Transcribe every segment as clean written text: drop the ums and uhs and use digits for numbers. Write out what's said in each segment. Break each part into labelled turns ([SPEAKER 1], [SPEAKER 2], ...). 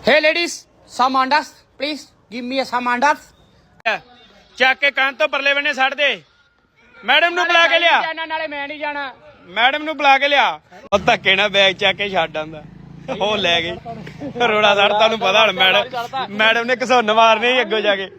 [SPEAKER 1] Hey ladies, some andas, please give me some andas.
[SPEAKER 2] ਚੱਕ ਕੇ ਕੰਨ ਤੋਂ ਪਰਲੇ ਬੰਨੇ ਛੱਡ ਦੇ। ਮੈਡਮ ਨੂੰ ਬੁਲਾ ਕੇ ਲਿਆ।
[SPEAKER 1] ਨਾਲੇ ਮੈਂ ਨਹੀਂ ਜਾਣਾ।
[SPEAKER 2] ਮੈਡਮ ਨੂੰ ਬੁਲਾ ਕੇ ਲਿਆ। ਉਹ ਧੱਕੇ ਨਾਲ ਬੈਗ ਚੱਕ ਕੇ ਛੱਡ ਆਂਦਾ। ਉਹ ਲੈ ਗਈ ਰੋੜਾ ਸੜ ਤੁਹਾਨੂੰ ਪਤਾ ਹੁਣ ਮੈਡਮ ਨੇ ਘਸੁੰਨ ਮਾਰਨੇ ਅੱਗੋਂ ਜਾ ਕੇ।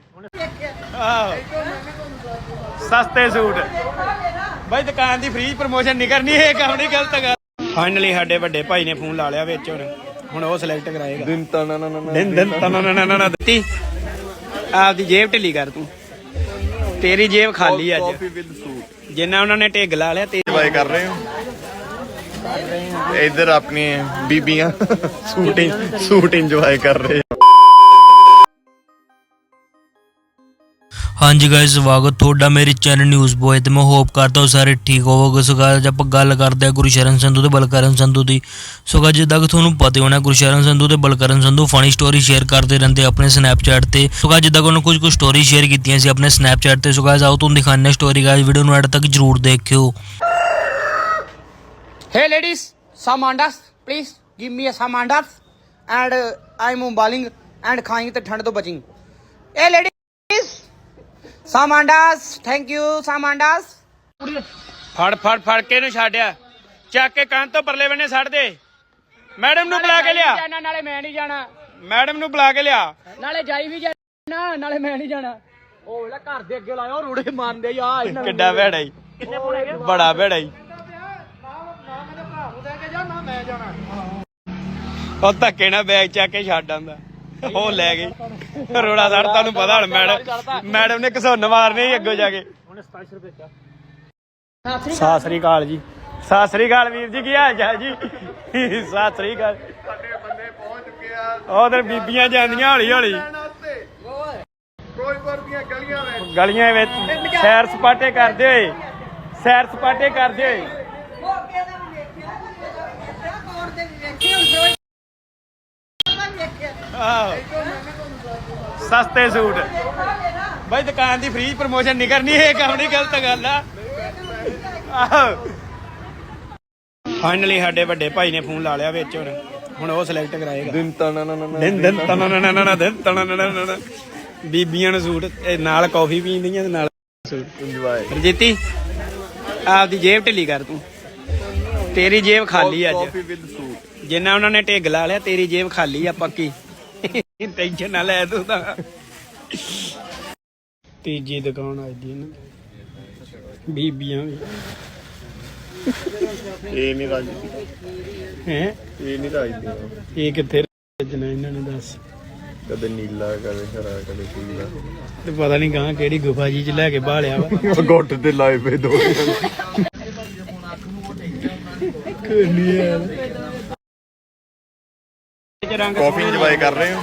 [SPEAKER 2] ਸਸਤੇ ਸੂਟ ਬਾਈ ਦੁਕਾਨ ਦੀ ਫ੍ਰੀ ਪ੍ਰਮੋਸ਼ਨ ਨਹੀਂ ਕਰਨੀ, ਇਹ ਕੰਮ ਨਹੀਂ ਗਲਤ ਗੱਲ। ਫਾਈਨਲੀ ਸਾਡੇ ਵੱਡੇ ਭਾਈ ਨੇ ਫੋਨ ਲਾ ਲਿਆ ਵਿੱਚ ਹੁਣ ਉਹ ਸਿਲੈਕਟ ਕਰਾਏਗਾ। ਦਿਨ ਦਿੱਤੀ ਆਪਦੀ ਜੇਬ ਢਿੱਲੀ ਕਰ ਤੂੰ, ਤੇਰੀ ਜੇਬ ਖਾਲੀ ਅੱਜ ਜਿੰਨਾ ਉਹਨਾਂ ਨੇ ਢਿੱਗ ਲਾ ਲਿਆ।
[SPEAKER 3] ਇੰਜੋਏ ਕਰ ਰਹੇ ਹੋ इधर अपनी बीबियां सूट इंजॉय कर रहे हैं।
[SPEAKER 4] हाँ जी गाइस, स्वागत थोड़ा मेरे चैनल न्यूज़ बॉय ते मैं होप करता हूँ सारे ठीक होवोगे। सो गाइस आप गल करते हैं गुरशरण संधू ते बलकरण संधू की। सो गाइस जिद्दां कि तुहानूं पता होना गुरशरण संधू ते Balkaran Sandhu funny story share करते रहते अपने स्नैपचैट ते। सो गाइस जिद्दां कि उन्होंने कुछ स्टोरी शेयर कीतियां सी अपने स्नैपचैट ते। सो गाइस आओ तुहानूं दिखाने स्टोरी, गाइस वीडियो नूं एंड तक जरूर देखियो।
[SPEAKER 1] Hey ladies, some andas, please give me some andas and I'm bowling and खाएंगे तो ठंड तो बचेंगे. Hey ladies, some andas, thank you, some andas.
[SPEAKER 2] ਫੜ ਕੇ ਇਹਨੂੰ ਛੱਡਿਆ, ਚੱਕ ਕੇ ਕੰਨ ਤੋਂ ਪਰਲੇ ਬੰਨੇ ਛੱਡ ਦੇ। ਮੈਡਮ ਨੂੰ ਬੁਲਾ ਕੇ ਲਿਆ।
[SPEAKER 1] ਨਾਲੇ ਮੈਂ ਨਹੀਂ ਜਾਣਾ।
[SPEAKER 2] ਮੈਡਮ ਨੂੰ ਬੁਲਾ ਕੇ ਲਿਆ।
[SPEAKER 1] ਨਾਲੇ ਜਾਈ ਵੀ ਜਾਣਾ, ਨਾਲੇ ਮੈਂ ਨਹੀਂ ਜਾਣਾ। ਉਹ ਵੇਲਾ ਘਰ ਦੇ ਅੱਗੇ ਲਾਇਆ ਰੋੜੇ ਮਾਰਦੇ ਆ।
[SPEAKER 2] ਕਿੱਡਾ ਭੈੜਾ ਈ, ਬੜਾ ਭੈੜਾ ਈ। ਉਹ ਧੱਕੇ ਨਾਲ ਬੈਗ ਚੱਕ ਕੇ ਛੱਡ ਆਂਦਾ। ਉਹ ਲੈ ਗਈ ਰੋੜਾ ਸੜ ਤੁਹਾਨੂੰ ਪਤਾ ਹੁਣ ਮੈਡਮ ਨੇ ਘਸੁੰਨ ਮਾਰਨੇ ਅੱਗੋਂ ਜਾ ਕੇ। ਸਤਿ ਸ੍ਰੀ ਅਕਾਲ ਜੀ, ਸਤਿ ਸ੍ਰੀ ਅਕਾਲ ਵੀਰ ਜੀ, ਕੀ ਹਾਲ ਚਾਲ ਜੀ? ਸਤਿ ਸ੍ਰੀ ਅਕਾਲ। ਉਧਰ ਬੀਬੀਆਂ ਜਾਂਦੀਆਂ ਹੌਲੀ ਹੌਲੀ ਗਲੀਆਂ ਵਿੱਚ ਸੈਰ ਸਪਾਟੇ ਕਰਦੇ ਹੋਏ, ਸੈਰ ਸਪਾਟੇ ਕਰਦੇ ਹੋਏ। ਸਸਤੇ ਸੂਟ ਬਾਈ ਦੁਕਾਨ ਦੀ ਫ੍ਰੀ ਪ੍ਰਮੋਸ਼ਨ ਨਹੀਂ ਕਰਨੀ, ਇਹ ਕੰਮ ਨਹੀਂ ਗਲਤ ਗੱਲ ਆ। ਫਾਈਨਲੀ ਸਾਡੇ ਵੱਡੇ ਭਾਈ ਨੇ ਫੋਨ ਲਾ ਲਿਆ ਵਿੱਚ ਹੁਣ ਉਹ ਸਿਲੈਕਟ ਕਰਾਏਗਾ। ਬੀਬੀਆਂ ਨੂੰ ਸੂਟ ਨਾਲ ਕਾਫੀ ਪੀਂਦੀਆਂ ਤੇ ਨਾਲ ਸੂਟ ਇੰਜੋਏ। ਰਜੀਤੀ ਆਪਦੀ ਜੇਬ ਢਿੱਲੀ ਕਰ ਤੂੰ, ਤੇਰੀ ਜੇਬ ਖਾਲੀ ਅੱਜ ਜਿੰਨਾ ਉਹਨਾਂ ਨੇ ਢਿੱਗ ਲਾ ਲਿਆ। ਤੇਰੀ ਜੇਬ ਖਾਲੀ ਆ ਪੱਕੀ, ਟੈਨਸ਼ਨ ਨਾ ਲੈ ਤੂੰ ਤਾਂ। ਤੀਜੀ ਦੁਕਾਨ ਆਈ ਦੀ ਨਾ ਬੀਬੀਆਂ ਵੀ
[SPEAKER 3] ਇਹ ਨਹੀਂ ਰਾਜੀ
[SPEAKER 2] ਹੈ,
[SPEAKER 3] ਇਹ ਨਹੀਂ ਰਾਜੀ।
[SPEAKER 2] ਇਹ ਕਿੱਥੇ ਰੱਜਣਾ ਇਹਨਾਂ ਨੇ ਦੱਸ।
[SPEAKER 3] ਕਦੇ ਨੀਲਾ ਕਦੇ ਹਰਾ ਕਦੇ ਪੀਲਾ
[SPEAKER 2] ਤੇ ਪਤਾ ਨਹੀਂ ਗਾਂ ਕਿਹੜੀ ਗੁਫਾ ਜੀ ਚ ਲੈ ਕੇ ਬਾਲਿਆ ਵਾ।
[SPEAKER 3] ਗੁੱਟ ਤੇ ਲਾਏ ਪਏ ਦੋ कॉफी इंजॉय कर रहे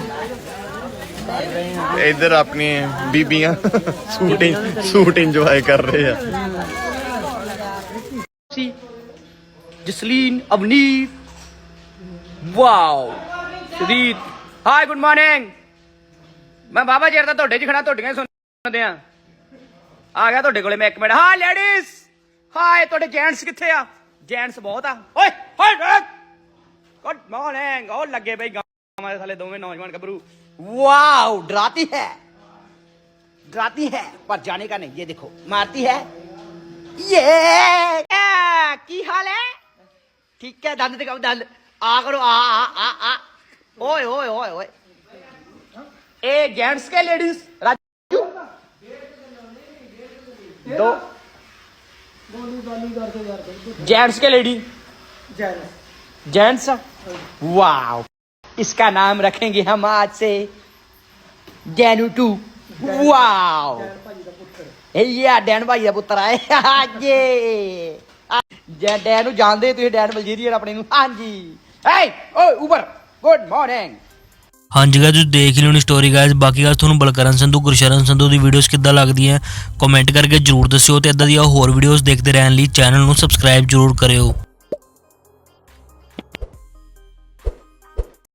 [SPEAKER 3] हो इधर अपनी बीबियां सूट इंजॉय कर रहे हैं।
[SPEAKER 1] Jasleen, Avneet, wow, Sudeep, hi good morning. मैं बाबा जी ਦਾ ਤੁਹਾਡੇ 'ਚ ਖੜਾ, ਤੁਹਾਡੀਆਂ ਸੁਣਦੇ ਆ ਗਿਆ ਤੁਹਾਡੇ ਕੋਲੇ ਮੈਂ ਇੱਕ ਮਿੰਟ। ਹਾਂ ਲੇਡੀਜ਼, ਹਾਏ ਤੁਹਾਡੇ ਜੈਂਟਸ ਕਿੱਥੇ ਆ? ਜੈਂਟਸ ਬਹੁਤ ਆ। ਓਏ ਹਾਏ गुड मॉर्निंग। और लगे भाई गाँव में साले दोवें नौजवान गबरू। वाओ, डराती है पर जाने का नहीं। ये देखो मारती है। ये की हाल है? ठीक है, दंद दिखाओ, दंद आ करो, आ ओए ओए ओए ओए। ए जेंट्स के लेडीज राजू दो जेंट्स के लेडी जेंट्स। वाओ, इसका नाम रखेंगे हम आज से डैनू टू। वाओ, ये डैन भाई का पुत्र आए। ये डैनू जानते तुम, डैन बलजीरियन अपने। हाँ जी, ऊपर गुड मॉर्निंग।
[SPEAKER 4] हाँ जी गाइस देख ली होनी स्टोरी गाइस। बाकी गाइस तुहानूं बलकरण संधू गुरशरण संधू की वीडियोस किद्दां लगदियां कमेंट करके जरूर दस्सिओ ते इदां दी होर वीडियोस देखते रहने लई चैनल नूं सबसक्राइब जरूर करियो।